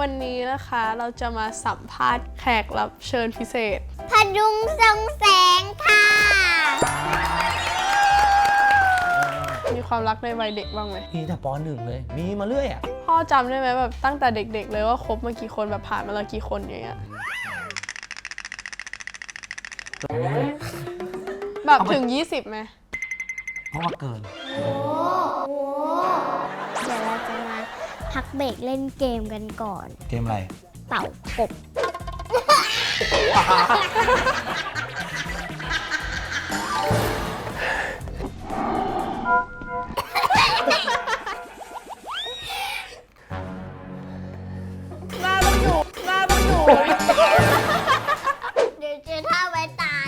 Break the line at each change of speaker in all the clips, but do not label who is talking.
วันนี้นะคะเราจะมาสัมภาษณ์แขกรับเชิญพิเศษ
พดุงทรงแสงค่ะ
มีความรักในวัยเด็กบ้างไหม
มีแต่ป.1เลยมีมาเรื่อยอ่ะ
พ่อจำได้ไหมแบบตั้งแต่เด็กๆเลยว่าคบมากี่คนแบบผ่านมาแล้วกี่คนอย่างเงี้ยแบบถึง20ไหม
เพราะว่าเกิน
เดี๋ยวเราจะมาพักเบรกเล่นเกมกันก่อน
เกมอะไร
เต่ากบ
หน้าต้องอยู่
เดี๋ยวเจอท่าไว้ตาย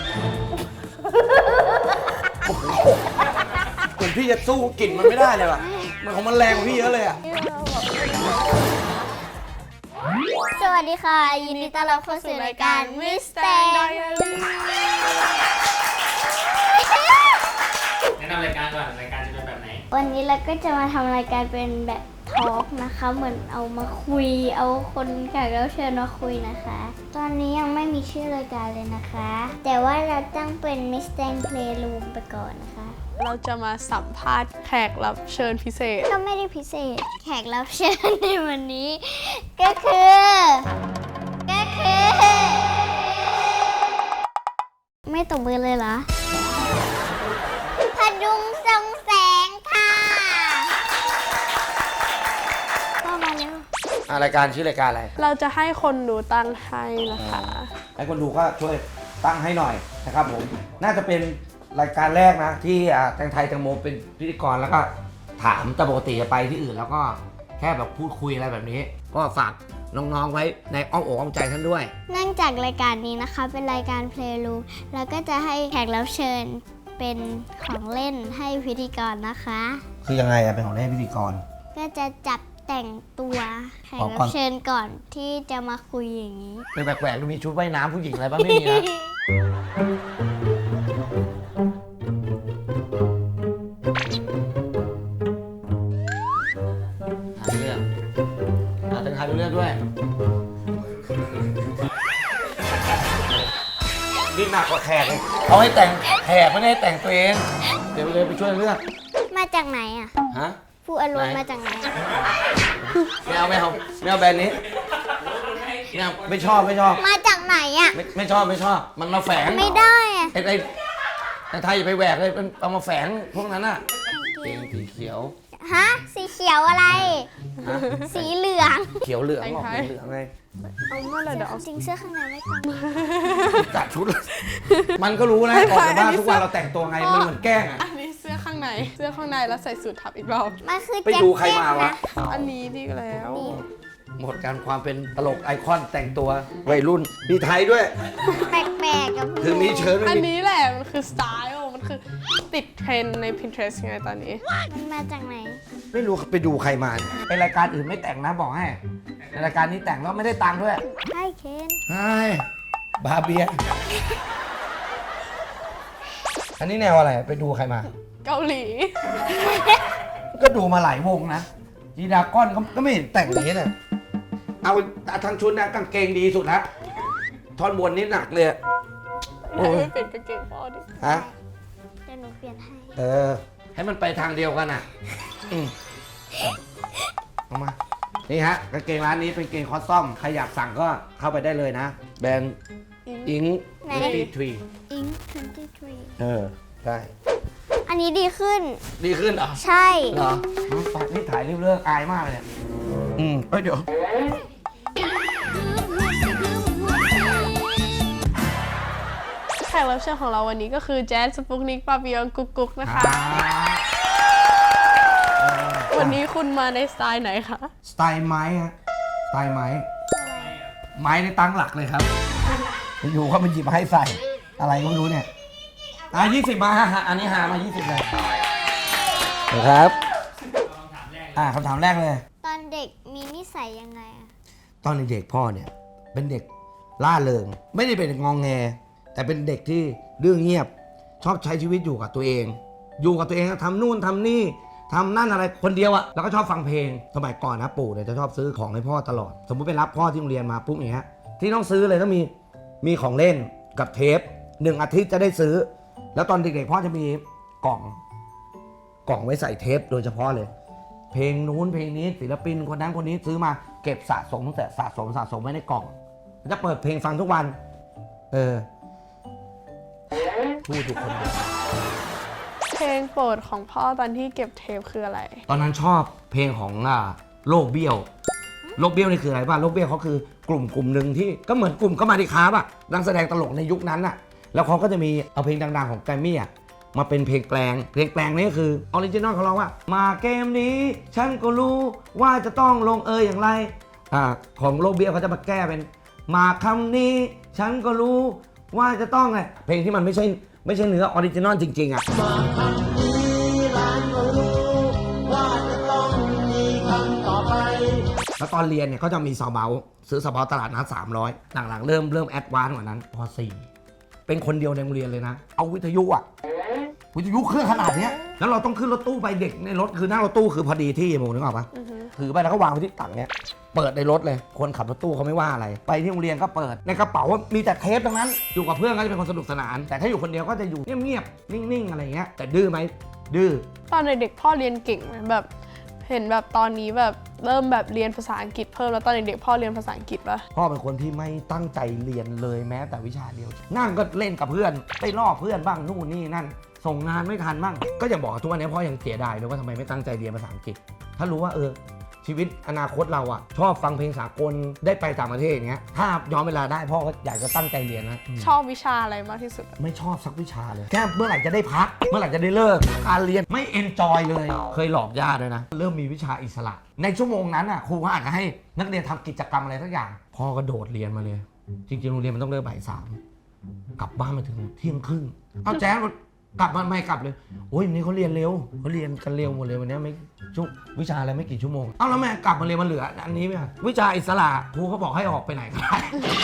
เหมือนพี่จะสู้กลิ่นมันไม่ได้เลยว่ะมันของมันแรงกว่าพี่เยอะเลยอ่ะ
สวัสดีค่ะยินดีต้อนรับเข้าสู่รายการ Mr. Diary
แนะนำรายการก่อนรายการจะเป็นแบบไหน
วันนี้เราก็จะมาทำรายการเป็นแบบทอล์กนะคะเหมือนเอามาคุยเอาคนแขกรับเชิญมาคุยนะคะตอนนี้ยังไม่มีชื่อรายการเลยนะคะแต่ว่าเราตั้งเป็น Mr. Playroom ไปก่อนนะคะ
เราจะมาสัมภาษณ์แขกรับเชิญพิเศษ
ก็ไม่ได้พิเศษแขกรับเชิญในวันนี้ก็คือไม่ตบมือเลยเหรอพดุงทรงแสงค่ะเข้ามาเร็ว
รายการชื่อรายการอะไร
เราจะให้คนดูตั้งให้นะคะ
ให้คนดูก็ช่วยตั้งให้หน่อยนะครับผมน่าจะเป็นรายการแรกนะที่แตงไทยแตงโมเป็นพิธีกรแล้วก็ถามแต่ปกติจะไปที่อื่นแล้วก็แค่แบบพูดคุยอะไรแบบนี้ก็ฝากน้องๆไว้ในอ้อมอกอ้อมใจท่านด้วย
เนื่องจากรายการนี้นะคะเป็นรายการ Playroom แล้วก็จะให้แขกรับเชิญเป็นของเล่นให้พิธีกรนะคะ
คือยังไงเป็นของเล่นพิธีกร
ก็จะจับแต่งตัวแขกรับเชิญก่อนที่จะมาคุยอย่างนี้
เป็นแปลกๆดูมีชุดว่ายน้ำผู้หญิงอะไรบ้างไม่มีนะเลือกด้วยนี่หนักกว่าแขกเลยเอาให้แต่งแขกไม่ได้แต่งตัวเองเดี๋ยวเลยไปช่วยเลือก
มาจากไหนอ่ะ
ฮะ
ผู้อารมณ์มาจากไหน
ไม่เอาแบรนด์นี้เนี่ยไม่ชอบ
มาจากไหนอ่ะ
ไม่ชอบมันมาแฝง
ไม่ได้อะ
ไอ้ไทยอย่าไปแหวกเลยเอามาแฝงพวกนั้นอ่ะเกงสีเขียว
ฮะสีเขียวอะไรสีเหลือง
เขียวเหลืองออกเหลืองไง
เอาเมื่อไรเดี๋ยวเอา
จริงเสื้อข้างในไม่ต้อง
จัดชุดมันก็รู้นะออกจากบ้านทุกวันเราแต่งตัวไงมันเหมือนแกล้งอ่ะ
อันนี้เสื้อข้างในแล้วใส่สูททับอีกรอบ
มันคือ
ไปดูใครมาวะ
อันนี้ดีแล้ว
หมดการความเป็นตลกไอคอนแต่งตัววัยรุ่นมีไทยด้วย
แปลกๆกับ
ถึงนี้เชิญ
อันนี้แหละมันคือสไตล์มันคือติดเทรนใน Pinterest ไงตอนนี้
มันมาจากไหน
ไม่รู้ไปดูใครมาเป็นรายการอื่นไม่แต่งนะบอกให้ในรายการนี้แต่งแล้วไม่ได้ตังค์ด้วย
ให้เคน
ให้บาเบียอันนี้แนวอะไรไปดูใครมา
เกาหลี
ก็ดูมาหลายวงนะจีดาก้อนก็ไม่เห็นแต่งนี้เลยเอาทางชุดนะกางเกงดีสุดแล้วท่อนบนนี้หนักเลย
โอ้ยเปลี่ยนกางเกงพ่อดิ
ฮะ
เดี๋ยวหนูเปลี่ยนให้
ให้มันไปทางเดียวกันอ่ะเอามานี่ฮะกางเกงร้านนี้เป็นเกงคอสตอมใครอยากสั่งก็เข้าไปได้เลยนะแบรนด์อิง23
อิง23
ใช่
อันนี้ดีขึ้น
เหรอ
ใช่
เหรอนี่ถ่ายรีบเลิกอายมากเลยเดี๋ยว
แขกรับเชิญของเราวันนี้ก็คือแจ๊สสปุกนิกปาปิยองกุ๊กนะคะวันนี้คุณมาในสไตล์ไหนคะ
สไตล์ไม้ฮะสไตล์ไม้ในตั้งหลักเลยครับอยู่เขามันหยิบมาให้ใส่อะไรก็ไม่รู้เนี่ย20มาอันนี้หามา20เลยครับคำถามแรกเลย
ตอนเด็กมีนิสัยยังไง
ตอนเด็กพ่อเนี่ยเป็นเด็กล่าเริงไม่ได้เป็นงองแงแต่เป็นเด็กที่เรื่องเงียบชอบใช้ชีวิตอยู่กับตัวเองทำนู่นทำนี่ทำนั่นอะไรคนเดียวอะแล้วก็ชอบฟังเพลงสมัยก่อนนะปู่เนี่ยจะชอบซื้อของให้พ่อตลอดสมมุติไปรับพ่อที่โรงเรียนมาปุ๊บอย่างเงี้ยที่ต้องซื้อเลยต้องมีของเล่นกับเทป1 อาทิตย์จะได้ซื้อแล้วตอนเด็กๆพ่อจะมีกล่องไว้ใส่เทปโดยเฉพาะเลยเพลงนู้นเพลงนี้ศิลปินคนนั้นคนนี้ซื้อมาเก็บสะสมตั้งแต่สะสมไว้ในกล่องจะเปิดเพลงฟังทุกวันพูดทุกคนเดียว
เพลงโปรดของพ่อตอนที่เก็บเทปคืออะไร
ตอนนั้นชอบเพลงของโลกเบี้ยวโลกเบี้ยวนี่คืออะไรบ้างโลกเบี้ยวเขาคือกลุ่มหนึ่งที่ก็เหมือนกลุ่มก็มาดิคาร์บนักแสดงตลกในยุคนั้นน่ะแล้วเขาก็จะมีเอาเพลงดังๆของแกรมมี่มาเป็นเพลงแปลงนี่คือออริจินอลเขาร้องว่ามาเกมนี้ฉันก็รู้ว่าจะต้องลงอย่างไรของโลกเบี้ยวเขาจะมาแก้เป็นมาคำนี้ฉันก็รู้ว่าจะต้องไงเพลงที่มันไม่ใช่เนื้อออริจินอลจริงๆมาคำนี้ร้านก็รู้ว่าจะต้องมีคำต่อไปแล้วตอนเรียนเนี่ยเขาจะมีซาวเบาซื้อซาวเบาตลาดนัด300หลังๆเริ่มแอดวานซ์กว่านั้นป .4 เป็นคนเดียวในโรงเรียนเลยนะเอาวิทยุเครื่องขนาดเนี้ยแล้วเราต้องขึ้นรถตู้ไปเด็กในรถคือนั่งรถตู้คือพอดีที่โมนึกออกปะถือไปแล้วก็วางไว้ที่ตักเนี้ยเปิดในรถเลยคนขับรถตู้เขาไม่ว่าอะไรไปที่โรงเรียนก็เปิดในกระเป๋ามีแต่เทปทั้งนั้นอยู่กับเพื่อนก็จะเป็นคนสนุกสนานแต่ถ้าอยู่คนเดียวก็จะอยู่เงียบๆนิ่งๆอะไรเงี้ยแต่ดื้อไหมดื้อ
ตอนเด็กๆพ่อเรียนเก่งไหมแบบเห็นแบบตอนนี้แบบเริ่มแบบเรียนภาษาอังกฤษเพิ่มแล้วตอนเด็กๆพ่อเรียนภาษาอังกฤษปะ
พ่อเป็นคนที่ไม่ตั้งใจเรียนเลยแม้แต่วิชาเดียวนั่งก็เล่นกับเพื่อนไปล่อเพื่อนบ้างนู่นนี่นั่นส่งงานไม่ทันบ้างก็อย่างบอกทุกวันนี้พ่อยังเสียดายเลยว่าทำไมไม่ตั้งใจเรียนภาษาอังกฤษถ้ารู้ว่าชีวิตอนาคตเราชอบฟังเพลงสากลได้ไปต่างประเทศอย่างเงี้ยถ้าย้อนเวลาได้พ่อก็อยากจะตั้งใจเรียนนะ
ชอบวิชาอะไรมากที่สุด
ไม่ชอบสักวิชาเลยแค่เมื่อไหร่จะได้พักเมื่อไหร่จะได้เลิกการเรียนไม่เอนจอยเลยเคยหลอกย่าด้วยนะเริ่มมีวิชาอิสระในชั่วโมงนั้นครูก็อาจจะให้นักเรียนทำกิจกรรมอะไรสักอย่างพ่อก็โดดเรียนมาเลยจริงๆโรงเรียนมันต้องเลิกบ่าย 3กลับบ้านมาถึงเที่ยงครึ่งเอาแจ๊คกลับมาไม่กลับเลยโอ้ยวันนี้เขาเรียนเร็วเขาเรียนกันเร็วหมดเลยวันนี้ไม่วิชาอะไรไม่กี่ชั่วโมงเอ้าแล้วแม่กลับมาเรียนมันเหลืออันนี้ไหมวิชาอิสระครูเขาบอกให้ออกไปไหนก็ได้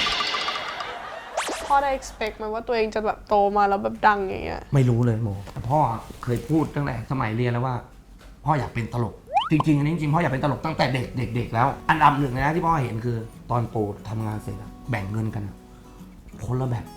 พ่อได้ expect ไหมว่าตัวเองจะแบบโตมาแล้วแบบดังอย่างเงี้ย
ไม่รู้เลยโมพ่อเคยพูดตั้งแต่สมัยเรียนแล้วว่าพ่ออยากเป็นตลกจริงๆอันนี้จริงๆพ่ออยากเป็นตลกตั้งแต่เด็กแล้วอันดับหนึ่งนะที่พ่อเห็นคือตอนโปรทำงานเสร็จแบ่งเงินกันคนละแบบ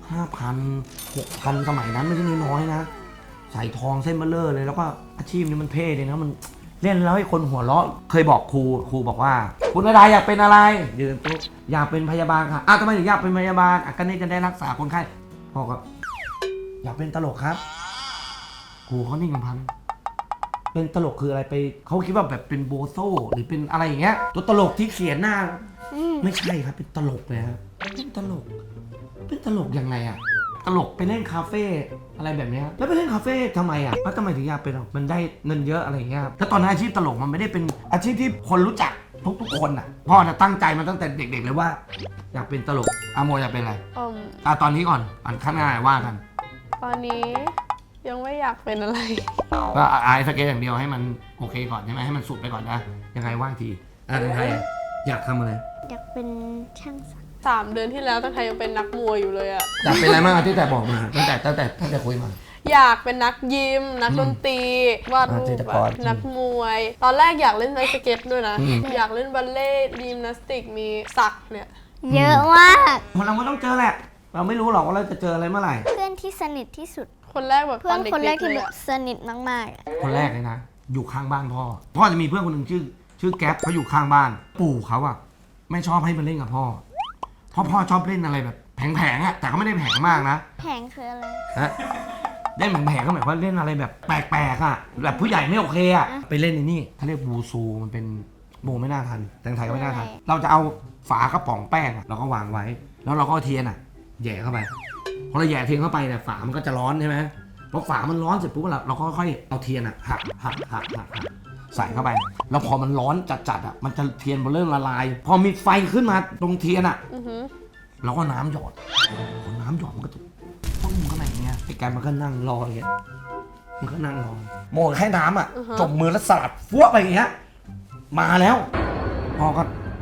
5,000 6,000 สมัยนั้นไม่ใช่น้อยๆนะใส่ทองเส้นเบลเลอร์เลยแล้วก็อาชีพนี้มันเท่เลยนะมันเล่นแล้วให้คนหัวเราะเคยบอกครูบอกว่าคุณนายอยากเป็นอะไรยืนปุ๊บอยากเป็นพยาบาลค่ะทำไมถึงอยากเป็นพยาบาลก็นี่จะได้รักษาคนไข้พ่อก็อยากเป็นตลกครับครูเขานิ่งกันพันเป็นตลกคืออะไรไปเขาคิดว่าแบบเป็นโบโซ่หรือเป็นอะไรอย่างเงี้ยตัวตลกที่เขียนหน้าไม่ใช่ครับเป็นตลกเลยครับเป็นตลกยังไงตลกไปเล่นคาเฟ่อะไรแบบนี้แล้วไปเล่นคาเฟ่ทำไมแล้วทำไมถึงอยากเป็นมันได้เงินเยอะอะไรอย่างเงี้ยแล้วตอนนั้นอาชีพตลกมันไม่ได้เป็นอาชีพที่คนรู้จักทุกคนพ่อจะตั้งใจมาตั้งแต่เด็กๆเลยว่าอยากเป็นตลกโมอยากเป็นอะไรตอนนี้ก่อนข้างหน้าว่ากัน
ตอนนี้ยังไม่อยากเป็นอะไร
ก็อายสเก็ตอย่างเดียวให้มันโอเคก่อนใช่ไหมให้มันสุดไปก่อนนะยังไงว่าทีไทยอยากทำอะไร
อยากเป็นช่างสัก
3 เดือนที่แล้วตั้งแต่ยังเป็นนักมวยอยู่เลย
อยากเป็นอะไรมากที่แต่บอกมาตั้งแต่คุยมา
อยากเป็นนักยิมนักดนตรีวาดรูปนักมวยตอนแรกอยากเล่นไอสเก็ตด้วยนะอยากเล่นบัลเล่ต์ยิมนาสติกมีสักเนี่ย
เยอะมาก
เราก็ต้องเจอแหละเราไม่รู้หรอกว่าเราจะเจออะไรเมื่อไหร่
เพื่อนที่สนิทที่สุด
คนแรกแบบ
เพื่อนคนแรกที่แบบสนิทมาก
ๆคนแรกเลยนะอยู่ข้างบ้านพ่อจะมีเพื่อนคนหนึ่งชื่อแก๊ปเขาอยู่ข้างบ้านปู่เขาไม่ชอบให้มันเล่นกับพ่อเพราะพ่อชอบเล่นอะไรแบบแผงแต่ก็ไม่ได้แผงมากนะ
แผงคืออะไร
เล่นแผงก็หมายว่าเล่นอะไรแบบแปลกๆแบบผู้ใหญ่ไม่โอเคไปเล่นในนี่เขาเรียกบูซูมันเป็นโมไม่น่าทันแต่ไทยก็ไม่น่าทันเราจะเอาฝากระป๋องแป้งเราก็วางไว้แล้วเราก็เทียนแย่เข้าไปพอเราแย่เทียนเข้าไปเนี่ยฝามันก็จะร้อนใช่ไหมพอฝามันร้อนเสร็จปุ๊บเราก็ค่อยเอาเทียนหักใส่เข้าไปแล้วพอมันร้อนจัดมันจะเทียนมันเริ่มละลายพอมีไฟขึ้นมาตรงเทียนเราก็น้ำหยอดพอน้ำหยอดมันก็จะพุ่งเข้าไปอย่างเงี้ยไอ้แกมันก็นั่งรออย่างเงี้ยมันก็นั่งรอโมแค่น้ำจมมือแล้วสลัดฟั่วไปอย่างเงี้ยมาแล้วพอก็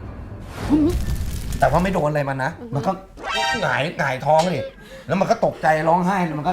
แต่ว่าไม่โดนอะไรมันนะมันก็หงายท้องเลยแล้วมันก็ตกใจร้องไห้มันก็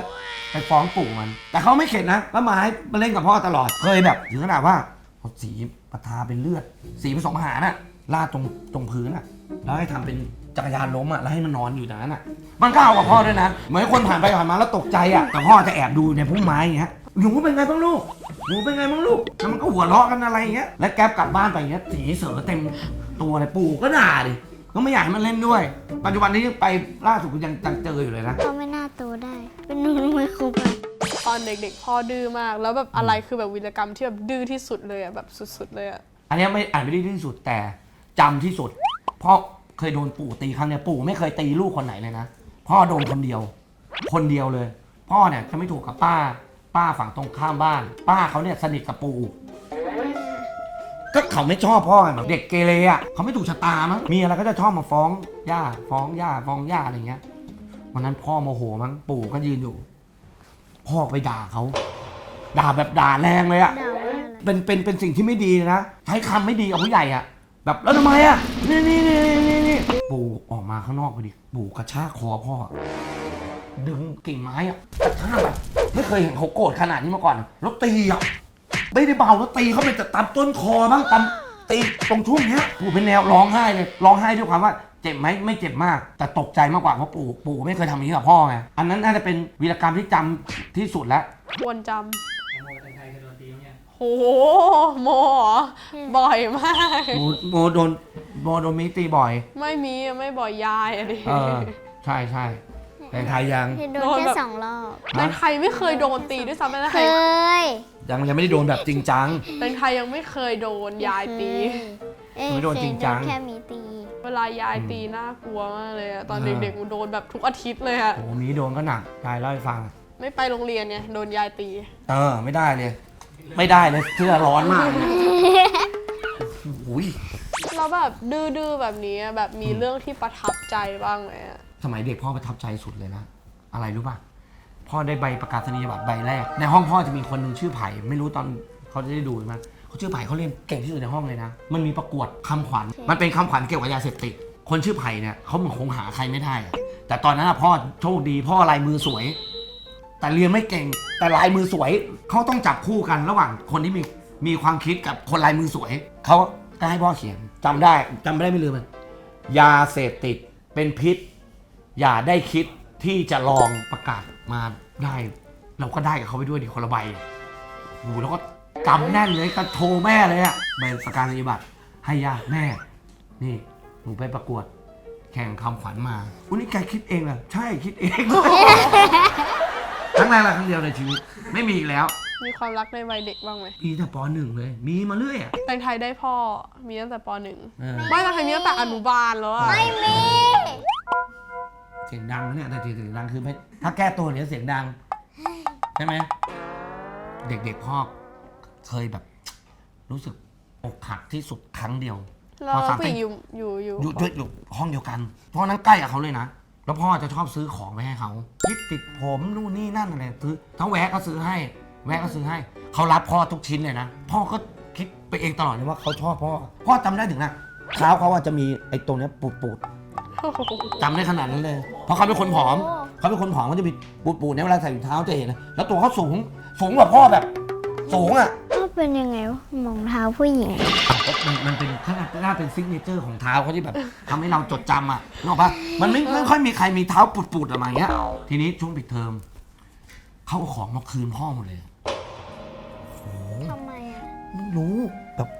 ไปฟ้องปู่มัน แต่เขาไม่เข็ดนะแล้วมาให้มาเล่นกับพ่อตลอดเคยแบบถึงขนาดว่าเอาสีประทาเป็นเลือดสีผสมอาหารน่ะราดตรงพื้นอ่ะแล้วให้ทำเป็นจักรยานล้มอ่ะแล้วให้มันนอนอยู่ตรงนั้นอ่ะมันก็เอากับพ่อด้วยนะเหมือนคนผ่านไปผ่านมาแล้วตกใจอ่ะแต่พ่อจะแอบดูในพุ่มไม้อย่างเงี้ยหนูเป็นไงบ้างลูกหนูเป็นไงบ้างลูกแล้วมันก็หัวเราะกันอะไรอย่างเงี้ยแล้วแก๊ปกลับบ้านไปอย่างเงี้ยสีเสือเต็มตัวเลยปู่ก็ด่าดิก็ไม่อยากให้มันเล่นด้วยปัจจุบันนี้ไปล่าสุดก็ยังเจออยู่เลยนะ
เขาไม่น่าโตได้ เป็นหนูไม่ครบอะ
ตอนเด็กๆพ่อดื้อมากแล้วแบบอะไรคือแบบวีรกรรมที่แบบดื้อที่สุดเลยอะแบบสุดๆเลยอะ
อันเนี้ยไม่อ่านไม่ได้ที่สุดแต่จำที่สุดเพราะเคยโดนปู่ตีครั้งเนี้ยปู่ไม่เคยตีลูกคนไหนเลยนะพ่อโดนคนเดียวเลย พ่อเนี่ยจะไม่ถูกกับป้าฝั่งตรงข้ามบ้าน ป้าเขาเนี่ยสนิทกับปู่ก็เขาไม่ชอบพ่อไงแบบเด็กเกเรอ่ะเขาไม่ถูกชะตามั้งมีอะไรก็จะชอบมาฟ้องย่าอะไรเงี้ยวันนั้นพ่อโมโหมั้งปู่ก็ยืนอยู่ พ่อไปด่าเขาด่าแบบด่าแรงเลยอ่ะ
ด่าว่าอะไร
เป็นสิ่งที่ไม่ดีนะใช้คำไม่ดีกับผู้ใหญ่อะแบบแล้วทำไมอะนี่ปู่ออกมาข้างนอกพอดีปู่กระชากคอพ่อดึงกิ่งไม้อะกระชากแบบไม่เคยเห็นเขาโกรธขนาดนี้มาก่อนแล้วตีอะไม่ได้เบาแล้วตีเขาไปตามต้นคอบ้างตามตีตรงช่วงเนี้ยปู่เป็นแนวร้องไห้เลยร้องไห้ด้วยความว่าเจ็บไหมไม่เจ็บมากแต่ตกใจมากกว่าเพราะปู่ไม่เคยทำอย่างนี้กับพ่อไงอันนั้นน่าจะเป็นวีรกรรมที่จำที่สุดแล้ว
ควรจ
ไอโมเป็นใครเคยโดนตีมั้ยเนี่ย
ำโหโมเหรอบ่อยมาก
โมโดนมีตีบ่อย
ไม่มีอะไม่บ่อยยายอะดิ
ใช่แต่ไทยยัง
โดนแค่2 รอบ
ในไทยไม่เคยโดนตีด้วยซ้ำในไท
เค
ย
ย
ยังไม่ได้โดนแบบจริงจัง
ในไทยยังไม่เคยโดนยายตี
ไม่โดนจริงจัง
แค่มีตี
เวลายายตีน่ากลัวมากเลยอะตอนเด็กๆกูโดนแบบทุกอาทิตย์เลยอะ
โอ้โหมีโดนก็หนักยายเล่าให้ฟัง
ไม่ไปโรงเรียนเนี่ยโดนยายตี
ไม่ได้เลยเสื้อร้อนมากเลยอุ้ย
แล้วแบบดื้อๆแบบนี้อะแบบมีเรื่องที่ประทับใจบ้างไหมอะ
สมัยเด็กพ่อประทับใจสุดเลยนะอะไรรู้ป่ะพ่อได้ใบประกาศนียบัตรใบแรกในห้องพ่อจะมีคนหนึ่งชื่อไผ่ไม่รู้ตอนเขาจะได้ดูไหมเขาชื่อไผ่เขาเรียนเก่งที่สุดในห้องเลยนะมันมีประกวดคำขวัญมันเป็นคำขวัญเกี่ยวกับยาเสพติดคนชื่อไผ่เนี่ยเขาเหมือนคงหาใครไม่ได้อะแต่ตอนนั้นพ่อโชคดีพ่อลายมือสวยแต่เรียนไม่เก่งแต่ลายมือสวยเขาต้องจับคู่กันระหว่างคนที่มีความคิดกับคนลายมือสวยเขาก็ให้พ่อเขียนจำได้ไม่ลืมมันยาเสพติดเป็นพิษอย่าได้คิดที่จะลองประกาศมาได้เราก็ได้กับเขาไปด้วยดิคนละใบโอ้โหแล้วก็กำแน่นเลยก็โทรแม่เลยอะใบประกาศนียบัตรให้ย่าแม่นี่หนูไปประกวดแข่งคำขวัญมาอุ้ยนี่แกคิดเองเหรอใช่คิดเอง ครั้งแรกและครั้งเดียวในชีวิตไม่มีอีกแล้ว
มีความรักในวัยเด็กบ้างไหม
มีแต่ป .1 เลยมีมาเรื่อยอะ
แตงไทยได้พ่อมีตั้งแต่ป .1
เออ
ไม่แตงไทยมีตั้งแต่อนุบาลแล้วอะ
ไม่มี
เสียงดังนะเนี่ยแต่เสียงดังคือไม่ถ้าแก้ตัวเนี่ยเสียงดังใช่ไหมเด็กๆพ่อเคยแบบ รู้สึกอกหักที่สุดครั้งเดียว
แล้ว
พอสาม
ผู้หญิงอยู่
อยู่ห้องเดียวกันเพราะนั้นใกล้กับเขาเลยนะแล้วพ่อจะชอบซื้อของไปให้เขาคิดติดผมนู่นนี่นั่นอะไรซื้อถ้าแวะก็ซื้อให้เขารับพ่อทุกชิ้นเลยนะพ่อก็คิดไปเองตลอดเลยว่าเขาชอบพ่อจำได้ถึงนะเท้าเขาจะมีไอ้ตรงเนี้ยปูดจำได้ขนาดนั้นเลยเพราะเขาเป็นคนผอมเขาจะมีปูดเนี่ยเวลาใส่ถุงเท้าจะเห็นนะแล้วตัวเขาสูงกว่าพ่อแบบสูงอ่ะ
ก็เป็นยังไงวะรองเท้าผู้หญิง
มันเป็นน่าเป็นซิกเนเจอร์ของเท้าเขาที่แบบทำให้เราจดจำอ่ะนึกออกปะมันไม่ค่อยมีใครมีเท้าปูดๆออกมาอย่างเงี้ยทีนี้ช่วงปิดเทอมเขาเอาของมาคืนพ่อหมดเลยโอ้โห
ทำไมอ่ะ
ไม่รู้แบบ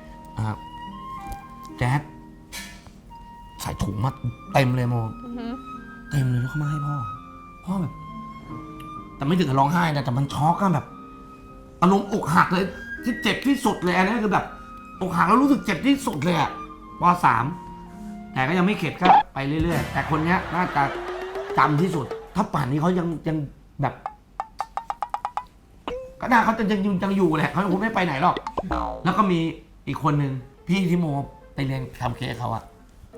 แจ๊ดใส่ถุงมาเต็มเลยโม
อือหือ
เต็มเลยแล้วเขามาให้พ่อแบบ แต่ไม่ถึงกับร้องไห้นะแต่มันช็อกอะแบบอารมณ์อกหักเลยที่เจ็บที่สุดเลยอันนี้คือแบบอกหักแล้วรู้สึกเจ็บที่สุดเลยอะป.3 แต่ก็ยังไม่เข็ดก็ไปเรื่อยๆแต่คนเนี้ยน่าจะจำที่สุด ถ้าป่านนี้เขายังแบบก็น่าเขาจะยังอยู่แหละเขาคงไม่ไปไหนหรอกแล้วก็มีอีกคนนึงพี่ที่โมไปเรียนทำเค้กเขาอะ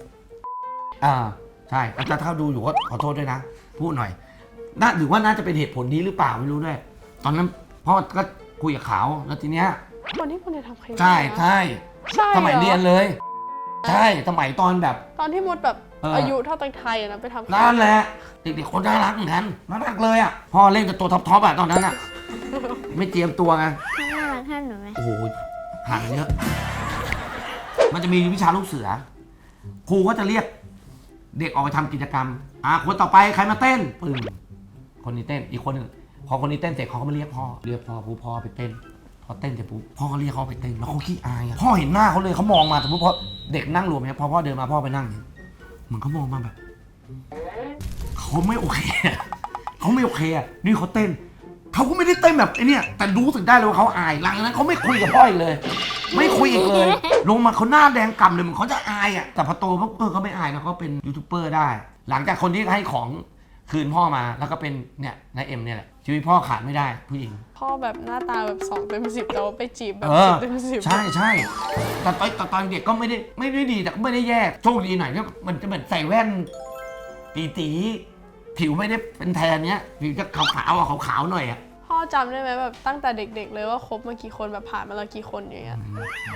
ใช่อาจารย์ถ้าดูอยู่ก็ขอโทษด้วยนะพูดหน่อยหรือว่าน่าจะเป็นเหตุผลนี้หรือเปล่าไม่รู้ด้วยตอนนั้นพ่อก็คุยกับเขาแล้วทีเนี้ย
คนที่คุณเนี่ยทำเค้ก
ใช่
ใช่
สมัย
หอ
เรียนเลย ใช่สมัยตอนแบบ
ตอนที่มดแบบอายุเท่าแตงไทยอะนะไปทำ
นั่นแหละเด็กๆคนน่ารักเหมือนกันน่ารักเลยอ่ะพ่อเล่นกับตัวท็อปๆอ่ะตอนนั้นอ่ะ ไม่เตรียมตัวไง
น่ารักท่านหนูไหม
โอ้โหห่างเยอะ มันจะมีวิชาลูกเสือ ครูก็จะเรียกเด็กออกไปทำกิจกรรมคนต่อไปใครมาเต้นปึ้งคนนี้เต้นอีกคนหนึ่งพอคนนี้เต้นเสร็จเขาก็มาเรียกพ่อปุ๊บพ่อไปเต้นพอเต้นเสร็จปุ๊บพ่อก็เรียกเขาไปเต้นแล้วเขาขี้อายอะพ่อเห็นหน้าเขาเลยเขามองมาสมมติพอเด็กนั่งรวมเนี่ยพอพ่อเดินมาพ่อไปนั่งเหมือนเขามองมาแบบเขาไม่โอเคอะเขาไม่โอเคอะนี่เขาเต้นเขาก็ไม่ได้เต้นแบบไอ้นี่แต่รู้สึกได้เลยว่าเขาอายหลังจากนั้นเขาไม่คุยกับพ่ออีกเลย ไม่คุยอีกเลย ลงมาเขาหน้าแดงกำเลยเหมือนเขาจะอายอ่ะแต่พอโตปุ๊บเขาไม่อายนะเขาเป็นยูทูบเบอร์ได้ หลังจากคนที่ให้ของคืนพ่อมาแล้วก็เป็นเนี่ยนายเอ็มเนี่ยแหละชีวิตพ่อขาดไม่ได้ผู้หญิง
พ่อแบบหน้าตาแบบ2 เต็ม 10แต่ว่าไปจีบแบบ 10 เต็ม 10
ใช่ใช่แต่ตอนเด็กก็ไม่ได้ดีแต่ก็ไม่ได้แย่โชคดีหน่อยก็มันจะเหมือนใส่แว่นตีผิวไม่ได้เป็นแทนเนี้ยผิวจะขาวๆขาวๆหน่อยอ่ะ
พ่อจำได้ไหมแบบตั้งแต่เด็กๆเลยว่าคบมากี่คนแบบผ่านมาแล้วกี่คนอย่างเงี้ย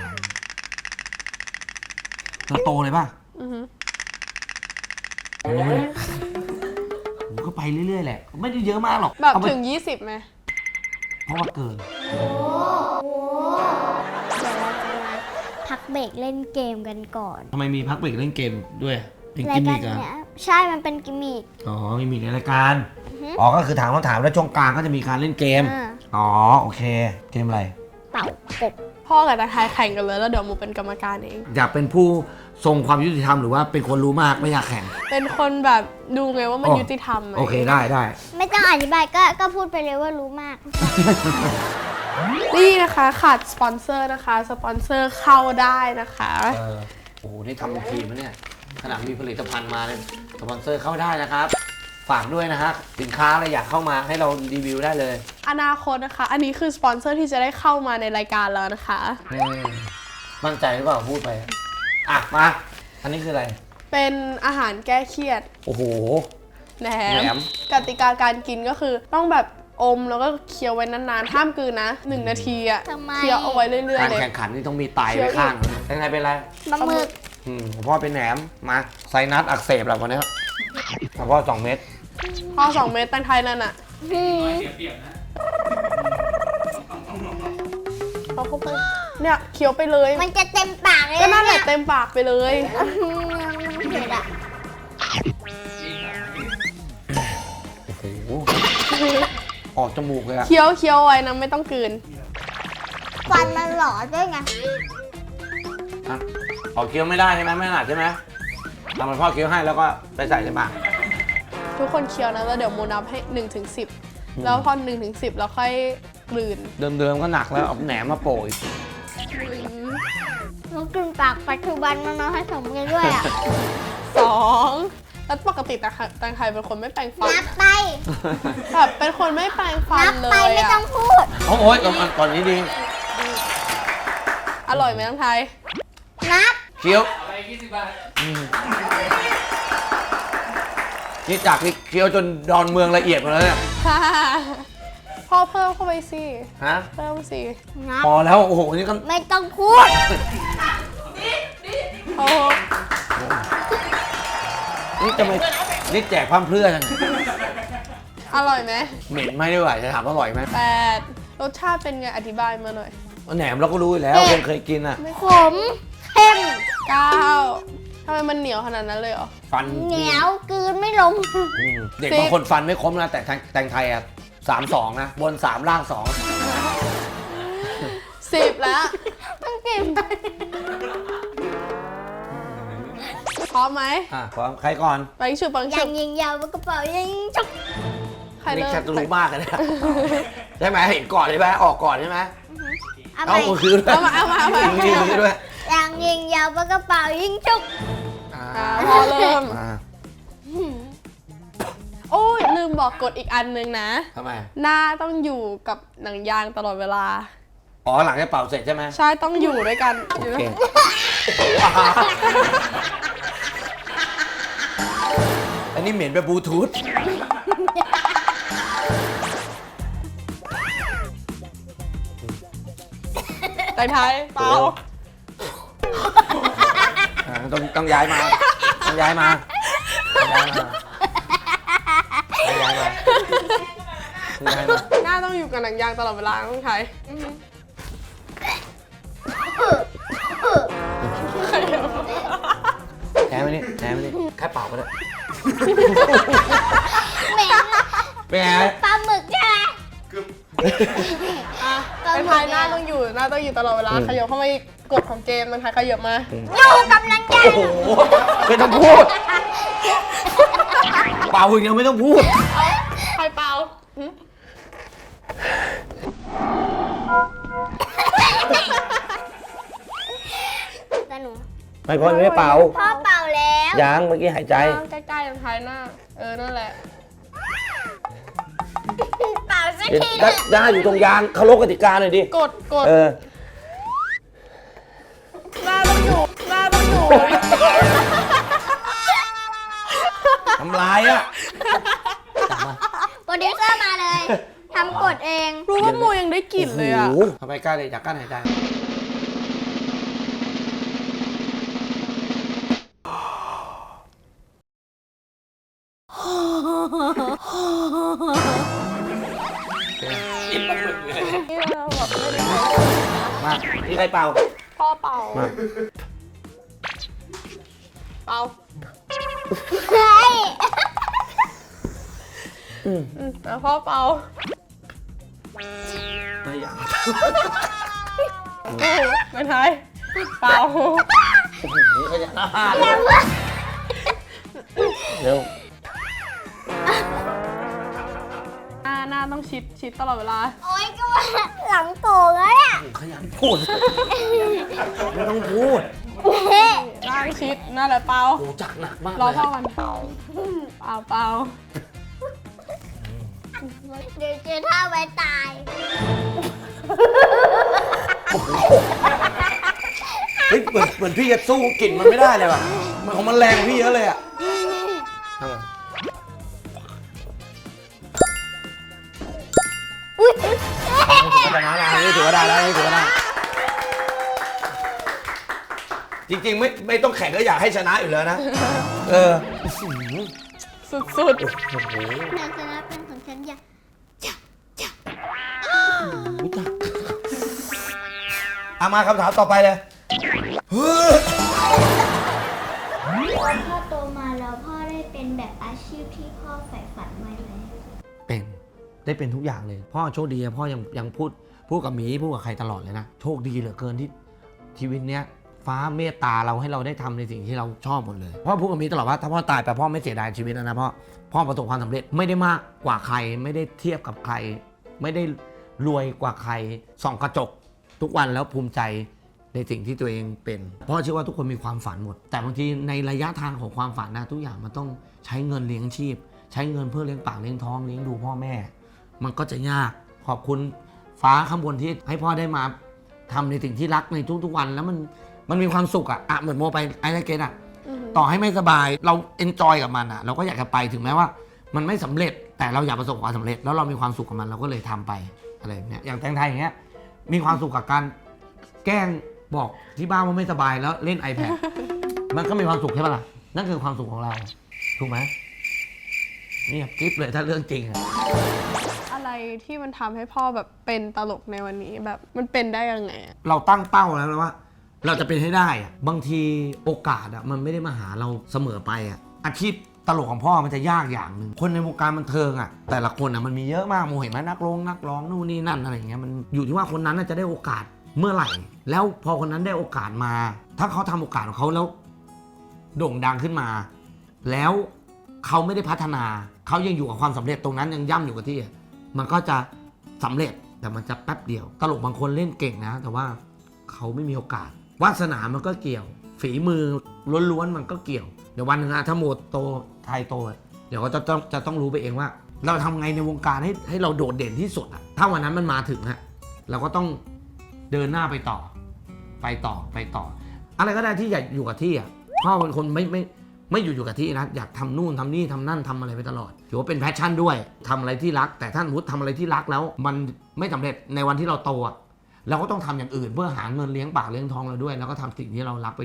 เธอโตเลยป่ะ
อือฮึ
ผมก็ไปเรื่อยๆแหละไม่ได้เยอะมากหรอก
แบบ
เอาไป
ถึง 20ไหม
เพราะว่าเกิน
เดี๋ยวเราจะมาพักเบรกเล่นเกมกันก่อน
ทำไมมีพักเบรกเล่นเกมด้วยเป็น
รา
กิ
ย
ม
กา
มิ
ร
กอะ
เนี้ยใช่มันเป็นกิมมิค
อ๋อมีมิกในรายการอ๋อก็คือถามคำถามแล้วช่วงกลางก็จะมีการเล่นเกม
อ่า
อ๋อโอเคเกมอะไร
เป่ากบ
พ่อกับตาไทยแข่งกันเลยแล้วเดี๋ยวมูเป็นกรรมการเอง
อยากเป็นผู้ทรงความยุติธรรมหรือว่าเป็นคนรู้มากไม่อยากแข่ง
เป็นคนแบบดูไงว่ามัน
อ๋อ
ยุติธรรมไหม
โอเคได้
ไม่ต้องอธิบายก็พูดไปเลยว่ารู้มาก
นี่นะคะขาดสปอนเซอร์นะคะสปอนเซอร์เข้าได้นะคะ
โอ้โหนี่ทำเป็นทีมนะเนี่ยขนาดมีผลิตภัณฑ์มาเลยสปอนเซอร์เข้าได้นะครับฝากด้วยนะฮะสินค้าอะไรอยากเข้ามาให้เรารีวิวได้เลย
อนาคตนะคะ อันนี้คือสปอนเซอร์ที่จะได้เข้ามาในรายการแล้วนะคะ
มั่นใจหรือเปล่าพูดไปอ่ะมาอันนี้คืออะไร
เป็นอาหารแก้เครียด
โอ้โห
แหน
แหน
ม
ม
กติกาการกินก็คือต้องแบบอมแล้วก็เคี้ยวไว้นานๆห้ามกลืนนะ1 นาทีอะ
ทำไม
เคี้ยวเอาไว้เรื่อย
การ
ๆเลย
แข่งขันนี่ต้องมีไตไว้ข้างเป็นไงเป็นไร
ปลาหมึก
ผมพ่อเป็นแหนมมาไซนัสอักเสบแล้ววันนี้พ่อ2 เม็ด
พอ2 เม็ดแตงไทยนั่นอะ
เปรียบๆนะ
เอาเข้าไปเนี่ยเคี้ยวไปเลย
มันจะเต็มปากเลย
ก็นั่นแหละ
เย
เต็มปากไปเลย
มันเผ็ดอ่ะ
โอ้โหออกจมูกเลยอะ
เคี้ยวไว้นะไม่ต้องกลืน
ฟันมันหล่อด้วยไง
อ่ะออกเคี้ยวไม่ได้ใช่ไหมไม่ถนัดใช่ไหมทำเหมือนพ่อเคี้ยวให้แล้วก็ไปใส่ในปาก
ทุกคนเคี้ยวนะแล้วเดี๋ยวโมนับให้1 ถึง 10แล้วพอ1 ถึง 10แล้วค่อยกลืน
เดิมๆก็หนักแล้วเอาแหนมมาโปะอีก
มันกลืนปากปัจจุบันมันมาผสมกันด้วยอ่ะ
2แล้วปกติแตงไทยเป็นคนไม่แปรงฟัน
นับไป
แบบเป็นคนไม่แปรงฟัน
นับ
เล
ไป
ย
ไม่ต้อ
อะ
งพูด
โอ้ยก่อนนี้ดี
อร่อยไหมแตงไทย
นับ
เคี้ยว
เอาไป20 บาท
นี่จากที่เคี้ยวจนดอนเมืองละเอียดหมดแล้วเนี่ย
พ่อเพิ่มเข้าไปสิ
ฮะ
เพิ่มสิ
นับ
พอแล้วโอ้โหนี่ก็
ไม่ต้องพูด
โอ้
นี่จะไม่นี่แจกพร่ำเพรื่อจัง
อร่อยไหม
เหม็นไหมด้วยจะถามว่าอร่อยไหม
8รสชาติเป็นไงอธิบายมาหน่อย
แหนมเราก็รู้อยู่แล้วคนเคยกินอ่ะ
ขมเข้ม
9ทำไมมันเหนียวขนาดนั้นเลยเหรอ
ฟัน
เหนียวกลืนไม่ลง
เด็กบางคนฟันไม่คมนะแต่แตงไทยอ่ะ3-2นะบน3ล่าง2
10แล้ว
ต้องกิน
พร้อมไหม
พร้อมใครก่อน
ไปฉุบปัง
อ
ฉุ
ย่า
บ
งยิงยาวกระเป๋ายิงจุก
ใคร
นี่
เริ่ม
แค่จะรู้มากเลยนะใช่ไหมเห็นก่อนใช่ไหมออกก่อนใช่ไหม
เอาไป
เอามือคืนด้วย
เอามา
มือคืนด้วย
อย่างยิงยาวกระเป๋ายิงจุก
พอเริ่ม
อ่า
โอ้ยลืมบอกกฎอีกอันนึงนะ
ทำไม
หน้าต้องอยู่กับหนังยางตลอดเวลา
อ๋อหลังจากเป่าเสร็จใช่ไหม
ใช่ต้องอยู่ด้วยกัน
โอ
อยู่
เค
ด้วย
อันนี้เหม็นแบบบลูทูธ
แต่ไทยเปล่า
ต้องย้ายมาต้องย้ายมา
หน้าต้องอยู่กับหนังยางตลอดเวลาต้องใช้
แพ้ไหมนี่แพ้ไหมนี่แค่เป่าก็ได้
เหม็นอะ
เป็นไง
ปลาหมึกใช่ไหม
อ่ะเป็นพายหน้าต้องอยู่ตลอดเวลาขยับเข้ามาอีกกฎของเกมมันพายขยับมา
อยู่กับหนังยาง
โอ้โหไม่ต้องพูด เป่าอย่างเดียวไม่ต้องพูด
พายเปล่าหึ
แต่หนู
ไม่พอไม่เป่า
พ่อเป่าแล้ว
ยังเมื่อกี้หายใจ
ใกล้ๆเป็นพายหน้านั่นแหละ
เป่าสักที
ได้อยู่ตรงยางเคารพกติกาหน่อยดิ
กด
เออ
หน้าต้องอยู่
ทำลายอ่ะ
โปรดิวเซอร์มาเลยทำกดเอง
รู้ว่าโมยังได้กลิ่นเลยอ่ะ
โโหทำไมกล้าเลยอยากกั้นหายใจมานี่ใครเป่า
พ่อเป่า
มา
เป่า
เฮ้ย
แล้วพ่อเป่า
ไม่อยาก
ไม่ทายเป่า
โอ้โหขยันอาหารเร็ว
หน้าต้องชิดตลอดเวลา
โอ๊ยก็ว่าหลังโก่งแล้วเนี่ย
ขยันพูดไม่ต้องพูด
หน้าชิดหน้าแหละเป่า
โอ้จักหนักมาก
รอ
เลย
พ่อกันเป่า
เดี๋ยวเจอท่าไว้ตาย
เฮ้ยเหมือนพี่จะสู้กลิ่นมันไม่ได้เลยว่ะมันของมันแรงกว่าพี่เยอะเลยอ่ะทำไม
อุ้ย
ชนะแล้วนี่ถือว่าได้แล้วนี่ถือว่าได้จริงๆไม่ต้องแข่งก็อยากให้ชนะอยู่แล้วนะเออ
สุด
นางชนะเป็นของฉันอย่า
เอามาคำถามต่อไปเลย
พ่อโตมาแล้วพ่อได้เป็นแบบอาชีพที่พ่อใฝ่ฝันไว้ไหม
เป็นได้เป็นทุกอย่างเลย พ่อโชคดีอะพ่อยังพูดกับหมีพูดกับใครตลอดเลยนะโชคดีเหลือเกินที่ชีวิตเนี้ยฟ้าเมตตาเราให้เราได้ทำในสิ่งที่เราชอบหมดเลยพ่อพูดกับหมีตลอดว่าถ้าพ่อตายไปพ่อไม่เสียดายชีวิตแล้วนะพ่อประสบความสำเร็จไม่ได้มากกว่าใครไม่ได้เทียบกับใคร ไม่ได้รวยกว่าใครส่องกระจกทุกวันแล้วภูมิใจในสิ่งที่ตัวเองเป็นพ่อเชื่อว่าทุกคนมีความฝันหมด แต่บางทีในระยะทางของความฝันนะทุกอย่างมันต้องใช้เงินเลี้ยงชีพ ใช้เงินเพื่อเลี้ยงปากเลี้ยงท้องเลี้ยงดูพ่อแม่มันก็จะยากขอบคุณฟ้าข้างบนที่ให้พ่อได้มาทำในสิ่งที่รักในทุกๆวันแล้วมันมีความสุขอะเหมือนโมไปไอ้ไรเกตอะต่อให้ไม่สบายเราเอนจอยกับมันอะเราก็อยากจะไปถึงแม้ว่ามันไม่สำเร็จแต่เราอยากประสบความสำเร็จแล้วเรามีความสุขกับมันเราก็เลยทำไปอะไรแบบเนี้ยอย่างแตงไทยอย่างเงี้ยมีความสุขกับการแกล้งบอกที่บ้านว่าไม่สบายแล้วเล่น iPad มันก็มีความสุขใช่ปะล่ะนั่นคือความสุขของเราถูกไหมนี่คลิปเลยถ้าเรื่องจริงอะ
อะไรที่มันทำให้พ่อแบบเป็นตลกในวันนี้แบบมันเป็นได้ยังไงอะ
เราตั้งเป้าแล้วนะว่า เราจะเป็นให้ได้อะบางทีโอกาสอะมันไม่ได้มาหาเราเสมอไปอะอาชีพตลกของพ่อมันจะยากอย่างหนึ่งคนในวงการบันเทิงอะแต่ละคนอะมันมีเยอะมากโมเห็นไหมนักร้องนู่นนี่นั่นอะไรอย่างเงี้ยมันอยู่ที่ว่าคนนั้นจะได้โอกาสเมื่อไหร่ แล้วพอคนนั้นได้โอกาสมา ถ้าเขาทำโอกาสของเขาแล้วโด่งดังขึ้นมา แล้วเขาไม่ได้พัฒนาเขายังอยู่กับความสำเร็จตรงนั้นยังย่ำอยู่กับที่มันก็จะสำเร็จแต่มันจะแป๊บเดียวตลกบางคนเล่นเก่งนะแต่ว่าเขาไม่มีโอกาสวาสนามันก็เกี่ยวฝีมือล้วนๆมันก็เกี่ยวเดี๋ยววันหนึ่งถ้าโมโตไทยโตเดี๋ยวก็จะต้องรู้ไปเองว่า เราทำไงในวงการให้เราโดดเด่นที่สุดอะถ้าวันนั้นมันมาถึงอะเราก็ต้องเดินหน้าไปต่ออะไรก็ได้ที่อยากอยู่กับที่อะพ่อเป็นคนไม่อยู่กับที่นะอยากทำนู่นทำนี่ทำนั่นทำอะไรไปตลอดถือว่าเป็นแพชชั่นด้วยทำอะไรที่รักแต่ท่านวุฒิทำอะไรที่รักแล้วมันไม่สำเร็จในวันที่เราโตเราก็ต้องทำอย่างอื่นเพื่อหาเงินเลี้ยงปากเลี้ยงท้องเราด้วยแล้วก็ทำสิ่งที่เรารักไปด้วย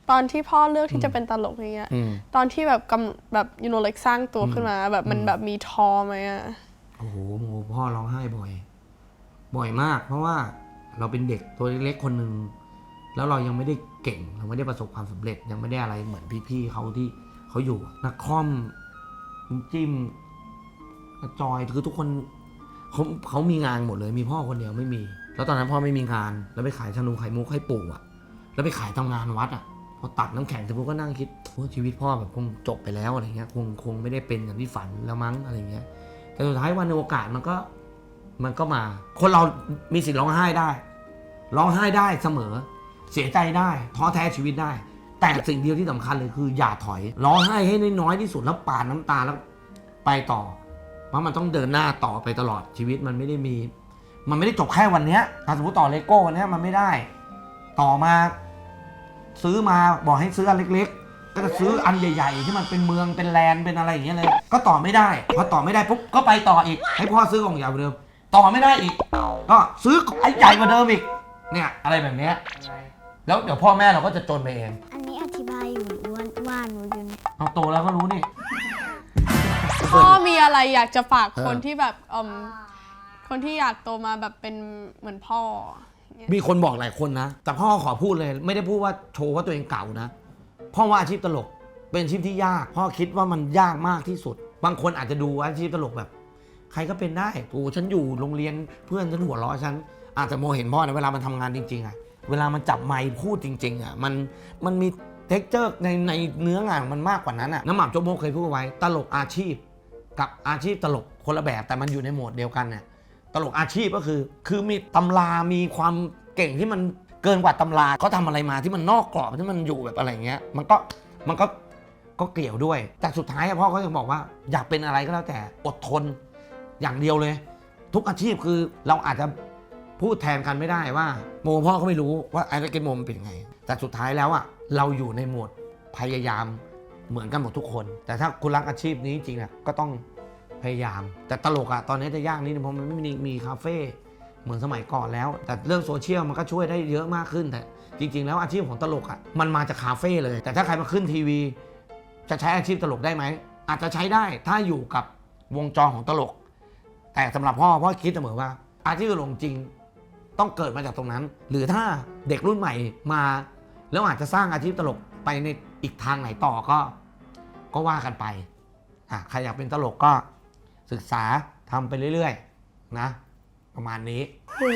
ตอนที่พ่อเลือกที่จะเป็นตลกอย่างเงี้ยตอนที่แบบแบบlike สร้างตัวขึ้นมาแบบมันแบบมีท้อไหมอะ
โอ้โหพ่อร้องไห้บ่อยมากเพราะว่าเราเป็นเด็กตัวเล็กๆคนหนึ่งแล้วเรายังไม่ได้เก่งเราไม่ได้ประสบความสำเร็จยังไม่ได้อะไรเหมือนพี่ๆเขาที่เขาอยู่นักคอมจิ้มจอยคือทุกคนเขามีงานหมดเลยมีพ่อคนเดียวไม่มีแล้วตอนนั้นพ่อไม่มีงานแล้วไปขายชานมไข่มุกให้ปู่อะแล้วไปขายทำงานวัดอะพอตัดน้ำแข็งเสร็จปุ๊บก็นั่งคิดว่าชีวิตพ่อแบบคงจบไปแล้วอะไรเงี้ยคงไม่ได้เป็นอย่างที่ฝันแล้วมั้งอะไรเงี้ยแต่สุดท้ายวันในโอกาสมันก็มาคนเรามีสิทธิ์ร้องไห้ได้เสมอเสียใจได้ท้อแท้ชีวิตได้แต่สิ่งเดียวที่สำคัญเลยคืออย่าถอยร้องไห้ให้น้อยที่สุดแล้วปาดน้ำตาแล้วไปต่อเพราะมันต้องเดินหน้าต่อไปตลอดชีวิตมันไม่ได้จบแค่วันนี้ถ้าสมมติต่อเลโก้วันนี้มันไม่ได้ต่อมาซื้อมาบอกให้ซื้ออันเล็กๆก็จะซื้ออันใหญ่ๆที่มันเป็นเมืองเป็นแลนด์เป็นอะไรอย่างเงี้ยเลยก็ต่อไม่ได้พอต่อไม่ได้ปุ๊บก็ไปต่ออีกให้พ่อซื้อกล่องใหญ่กว่าเดิมต่อไม่ได้อีกก็ซื้อไอ้ใหญ่กว่าเดิมอีกเนี่ยอะไรแบบเนี้ยแล้วเดี๋ยวพ่อแม่เราก็จะจนไปเอง
อันนี้อธิบายอยู่ว่าหนูอยู่เนี่ย
เอาโตแล้วก็รู้นี่
พ่อมีอะไรอยากจะฝากคนที่แบบคนที่อยากโตมาแบบเป็นเหมือนพ่อ
มีคนบอกหลายคนนะแต่พ่อขอพูดเลยไม่ได้พูดว่าโชว์ว่าตัวเองเก่านะพ่อว่าอาชีพตลกเป็นอาชีพที่ยากพ่อคิดว่ามันยากมากที่สุดบางคนอาจจะดูอาชีพตลกแบบใครก็เป็นได้โอ้ฉันอยู่โรงเรียนเพื่อนฉันหัวเราะฉันอาจจะมองเห็นพ่อในเวลามันทำงานจริงๆอะเวลามันจับไมค์พูดจริงๆอะมันมีเท็กเจอร์ในเนื้องานมันมากกว่านั้นอะน้ำหม่ำโจ๊กโมกเคยพูดไว้ตลกอาชีพกับอาชีพตลกคนละแบบแต่มันอยู่ในโหมดเดียวกันเนี่ยตลกอาชีพก็คือมีตำรามีความเก่งที่มันเกินกว่าตำราเขาทำอะไรมาที่มันนอกกรอบที่มันอยู่แบบอะไรเงี้ยมันก็เกี่ยวด้วยแต่สุดท้ายพ่อก็ยังบอกว่าอยากเป็นอะไรก็แล้วแต่อดทนอย่างเดียวเลยทุกอาชีพคือเราอาจจะพูดแทนกันไม่ได้ว่าโมพ่อก็ไม่รู้ว่าไอ้เกมโมมันเป็นยังไงแต่สุดท้ายแล้วอ่ะเราอยู่ในโหมดพยายามเหมือนกันหมดทุกคนแต่ถ้าคุณรักอาชีพนี้จริงอ่ะก็ต้องพยายามแต่ตลกอ่ะตอนนี้จะยากนิดนึงเพราะมันไม่มีคาเฟ่เหมือนสมัยก่อนแล้วแต่เรื่องโซเชียลมันก็ช่วยได้เยอะมากขึ้นแต่จริงๆแล้วอาชีพของตลกอ่ะมันมาจากคาเฟ่เลยแต่ถ้าใครมาขึ้นทีวีจะใช้อาชีพตลกได้ไหมอาจจะใช้ได้ถ้าอยู่กับวงจรของตลกแต่สำหรับพ่อคิดเสมอว่าอาชีพตลกจริงต้องเกิดมาจากตรงนั้นหรือถ้าเด็กรุ่นใหม่มาแล้วอาจจะสร้างอาชีพตลกไปในอีกทางไหนต่อก็ว่ากันไปใครอยากเป็นตลกก็ศึกษาทำไปเรื่อยๆนะประมาณนี้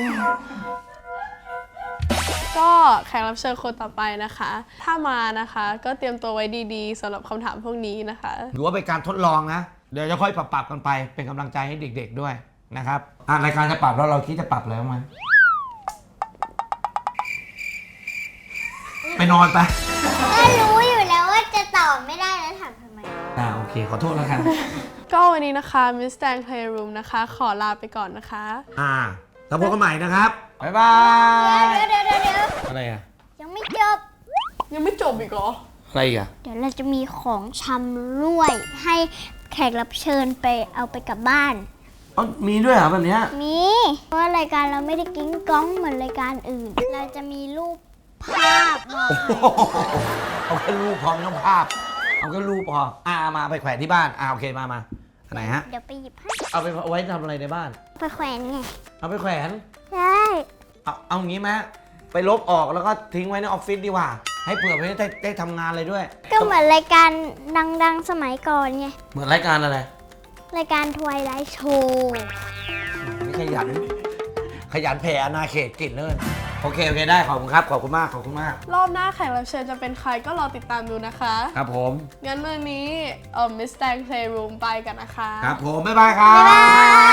ก็แขกรับเชิญคนต่อไปนะคะถ้ามานะคะก็เตรียมตัวไว้ดีๆสำหรับคำถามพวกนี้นะคะ
หรือว่าเป็นการทดลองนะเดี๋ยวจะค่อยปรับกันไปเป็นกำลังใจให้เด็กๆด้วยนะครับรายการจะปรับแล้วเราคิดจะปรับแล้วมั้ยไปนอนไป
ก็รู้อยู่แล้วว่าจะตอบไม่ได้แล้วถามทำไม
โอเคขอโทษแล้วกัน
ก็วันนี้นะคะ Miss Tang Playroom นะคะขอลาไปก่อนนะคะ
แล้วพบกันใหม่นะครับบ๊ายบาย
เดี๋ยว
อะไรอ่ะ
ยังไม่
จบอีกเหรอ
อะไรอ่ะ
เดี๋ยวเราจะมีของชำร่วยให้แขกรับเชิญไปเอาไปกลับบ้าน
มีด้วยเหรอแบบนี้
มีเพราะรายการเราไม่ได้กิ้งก้องเหมือนรายการอื่นเราจะมีรูปภาพ
เอาแค่รูปพอไม่ต้องภาพเอาแค่รูปพอมาไปแขวนที่บ้านโอเคมาไหนฮะ
เดี๋ยวไปหยิบให้
เอาไปไว้ทำอะไรในบ้าน
ไปแขวนไง
เอาไปแขวน
ใช่
เอางี้ไหมไปลบออกแล้วก็ทิ้งไว้ในออฟฟิศดีกว่าให้เผื่อไปได้ทำงานอะไรด้วย
ก็เหมือนรายการดังๆสมัยก่อนไง
เหมือนรายการอะไร
รายการ Twilight Show
นี่ขยันแผ่อาณาเขตกินเลยโอเคได้ขอบคุณครับขอบคุณมาก
รอบหน้าแขกรับเชิญจะเป็นใครก็รอติดตามดูนะคะ
ครับผม
งั้นวันนี้Miss Tang Playroom ไปกันนะคะ
ครับผมบ๊ายบายครับ